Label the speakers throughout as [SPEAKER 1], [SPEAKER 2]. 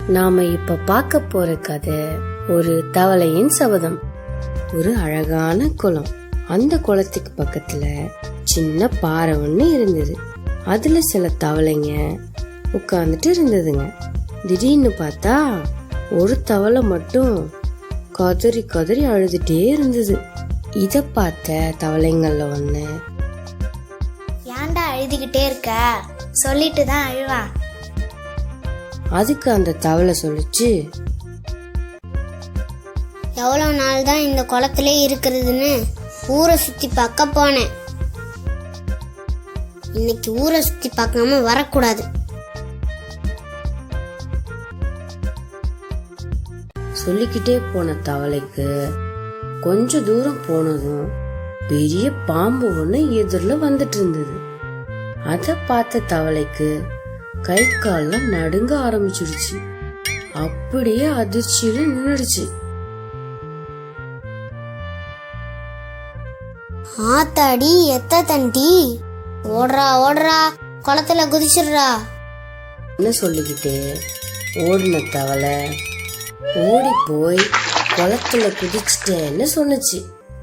[SPEAKER 1] நாம இப்ப பார்க்க போற கதை ஒரு தவளையின் சபதம். ஒரு அழகான குளம். அந்த குளத்துக்கு பக்கத்துல சின்ன பாறை ஒண்ணு இருந்தது. அதுல சில தவளைங்க உட்கார்ந்துட்டு இருந்ததுங்க. திடீர்னு பார்த்தா ஒரு தவளை மட்டும் கதறி கதறி அழுதுட்டே இருந்தது. இத பார்த்த தவளைங்கள்ல ஒண்ணு,
[SPEAKER 2] ஏன்டா அழுதுகிட்டே இருக்க, சொல்லிட்டு தான் அழுவா.
[SPEAKER 1] அதுக்கு அந்த தவளை சொல்லுச்சு,
[SPEAKER 2] எவ்வளவு நாள் தான் இந்த குளத்திலே இருக்கிறதுன்னு ஊரை சுத்தி பார்க்க போனேன். இன்னைக்கு ஊரை சுத்தி பார்க்காம வரக்கூடாது.
[SPEAKER 1] சொல்லிக்கிட்டே போன தவளைக்கு கொஞ்ச தூரம் போனதும் பெரிய பாம்பு ஒண்ணு எதிரில வந்துட்டு இருந்தது. அத பார்த்த தவளைக்கு கை கால்லாம் நடுங்க ஆரம்பிச்சிடுச்சு. அப்படியே அதிர்ச்சியில நின்னுடுச்சு.
[SPEAKER 2] ஆத்தாடி எத்த தண்டி, ஓடுறா ஓடுறா, குளத்துல குதிச்சிடுறா
[SPEAKER 1] என்ன சொல்லிக்கிட்டே ஓடின தவளை ஓடி போய் குளத்துல குதிச்சிட்டேன்னு சொன்னுச்சு.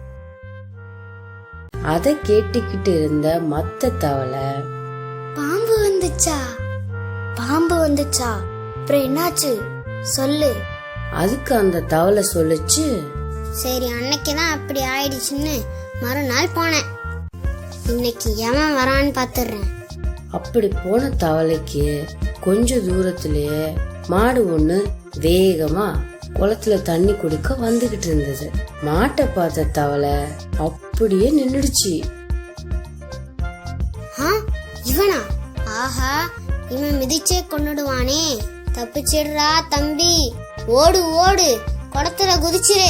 [SPEAKER 1] அத கேட்டுக்கிட்டு இருந்த மத்த தவளை,
[SPEAKER 2] பாம்பு வந்துச்சா, பாம்பு வந்துச்சா, அப்புறம் என்னாச்சு சொல்லு.
[SPEAKER 1] அதுக்கு அந்த தவளை சொல்லுச்சு,
[SPEAKER 2] சரி அன்னைக்குதான் அப்படி ஆயிடுச்சுன்னு மறுநாள் போனேன். இன்னைக்கு எவன் வரான்னு பாத்துறேன்.
[SPEAKER 1] அப்படி போன தவளைக்கு கொஞ்ச தூரத்திலேயே மாடு ஒண்ணு வேகமா குளத்துல தண்ணி குடிக்க வந்துகிட்டு இருந்தது. மாட்டை பார்த்த தவளை அப்படியே நின்னுடுச்சு.
[SPEAKER 2] இவனா? ஆஹா, இவன் மிதிச்சே கொன்னுடுவானே. தப்பிச்சிடுறா தம்பி, ஓடு ஓடு, குளத்துல குதிச்சிரு.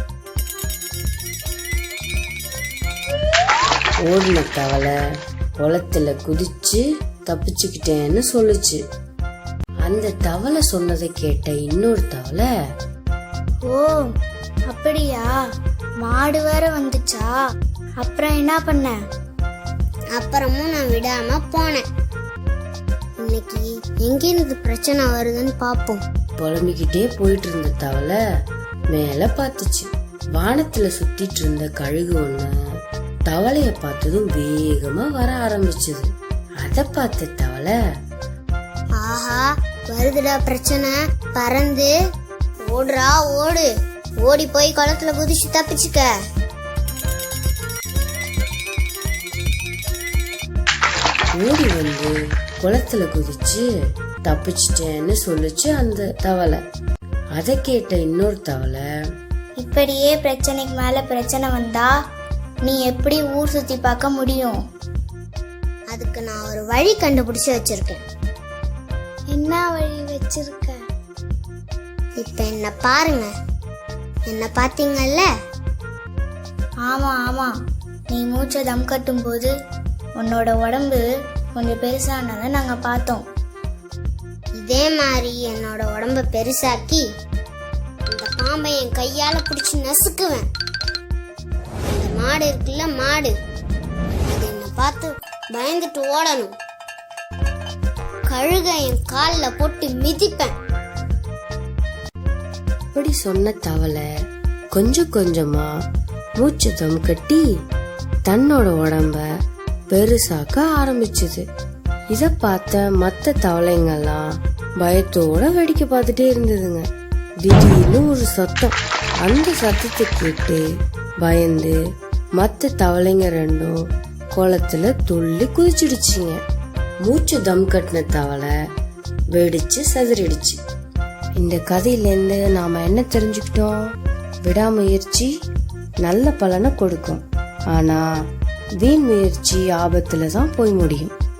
[SPEAKER 1] ஓடின தவளை குளத்துல குதிச்சு தப்பிச்சுக்கிட்டேன்னு சொல்லுச்சு. அந்த தவளை சொன்னதை கேட்ட இன்னொரு தவளை,
[SPEAKER 2] ஓ அப்படியா, மாடு வேற வந்துச்சா, அப்புறம் என்ன பண்ண? அப்புறமும் நான் விடாம போனேன். இன்னைக்கு எங்கிருந்து பிரச்சனை வருதுன்னு பாப்போம்.
[SPEAKER 1] புலம்பிக்கிட்டே போயிட்டு இருந்த தவளை மேல பாத்துச்சு. வானத்துல சுத்திட்டு இருந்த கழுகு ஒண்ணு தவளைய பார்த்ததும் வேகமா வர ஆரம்பிச்சது. அத பார்த்த தவளை,
[SPEAKER 2] ஆஹா வருதுடா பிரச்சனை, பறந்து ஓடுறா ஓடு, ஓடி போய் குளத்துல குதிச்சு தப்பிச்சுக்க.
[SPEAKER 1] ஓடி வந்து குளத்துல குதிச்சு தப்பிச்சிட்டேன்னு சொல்லுச்சு அந்த தவளை. அத கேட்ட இன்னொரு தவளை,
[SPEAKER 2] இப்படியே பிரச்சனைக்கு மேல பிரச்சனை வந்தா நீ எப்படி ஊர் சுத்தி பார்க்க முடியும்? அதுக்கு நான் ஒரு வழி கண்டுபிடிச்சு வச்சிருக்கேன். என்ன வழி வச்சிருக்க? இப்ப என்ன பாருங்க. என்ன பாத்தீங்கல்ல? ஆமா ஆமா, நீ மூச்சை தம் கட்டும் போது உன்னோட உடம்பு கொஞ்சம் பெருசானதை நாங்க பார்த்தோம். இதே மாதிரி என்னோட உடம்ப பெருசாக்கி இந்த பாம்பை என் கையால பிடிச்சு நசுக்குவேன். இந்த மாடு இருக்குல்ல, மாடு, அது என்ன பார்த்து பயந்துட்டு ஓடணும். கழுக என் கால்ல போட்டு மிதிப்பேன்.
[SPEAKER 1] அப்படி சொன்ன தவளை கொஞ்சம் கொஞ்சமா மூச்சு தம் கட்டி தன்னோட உடம்ப பெருசாக்க ஆரம்பிச்சது. இத பார்த்த மத்த தவளைங்கெல்லாம் பயத்தோட வேடிக்கை பார்த்துட்டே இருந்ததுங்க. திடீர்னு ஒரு சத்தம். அந்த சத்தத்தை கேட்டு பயந்து மத்த தவளைங்க ரெண்டும் குளத்துல துள்ளி குதிச்சிடுச்சுங்க. மூச்சு தம் கட்டின தவளை வெடிச்சு சதுரிடுச்சு. இந்த கதையில இருந்து நாம என்ன தெரிஞ்சுக்கிட்டோம்? விடாமுயற்சி நல்ல பலனை கொடுக்கும், ஆனா வீண் முயற்சி ஆபத்துல தான் போய் முடியும்.